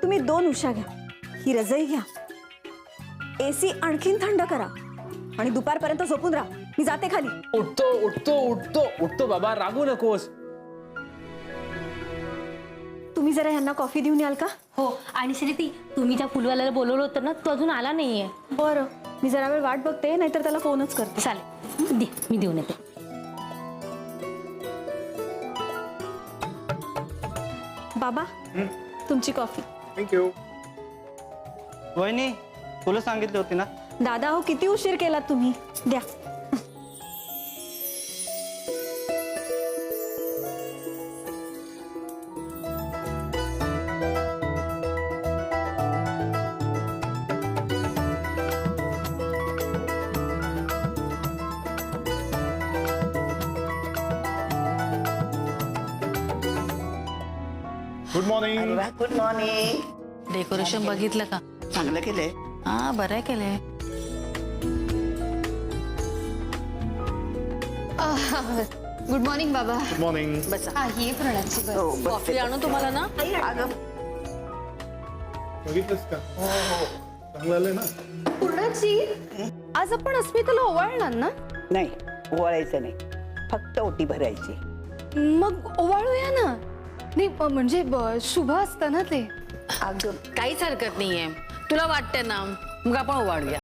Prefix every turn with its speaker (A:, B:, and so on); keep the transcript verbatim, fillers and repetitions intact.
A: तुम्ही दोन उशा घ्या, ही रजई घ्या, एसी आणखीन थंड करा आणि दुपारपर्यंत झोपून राहा. मी जाते खाली.
B: उठतो उठतो उठतो उठतो बाबा, रागू नकोस.
A: तुम्ही जरा यांना कॉफी देऊन याल का?
C: हो. आणि श्रीती, तुम्ही त्या फुलवाल्याला बोलवलं होतं ना, तो अजून आला नाहीये.
A: बरं, मी जरा वेळ वाट बघते, नाहीतर त्याला फोनच करते.
C: चालेल, दे, मी देऊन येते.
A: बाबा, तुमची कॉफी.
B: थँक्यू.
D: वहिनी, तुला सांगितली होती ना.
A: दादा हो, किती उशीर केला तुम्ही. द्या.
B: Good morning.
E: Good morning.
F: Decoration बघितलं का?
E: चांगलं केलंय.
F: हा, बरं केलंय.
G: गुड मॉर्निंग बाबा.
B: Good morning.
G: हा, ही प्रणाची बस.
E: हो, बस
F: कॉफी आणू तुम्हाला ना?
E: अगं
B: बघितलंस का? चांगलं आलंय ना.
G: पूर्णाची, आज आपण अस्मिताला ओवाळणार ना?
E: नाही, ओवाळायचं नाही, फक्त ओटी भरायची.
G: मग ओवाळूया ना. नाही प- म्हणजे ब- शुभ असतं ना ते.
E: अगं
F: काहीच हरकत नाहीये. तुला वाटतंय ना, मग आपण ओवाळूया.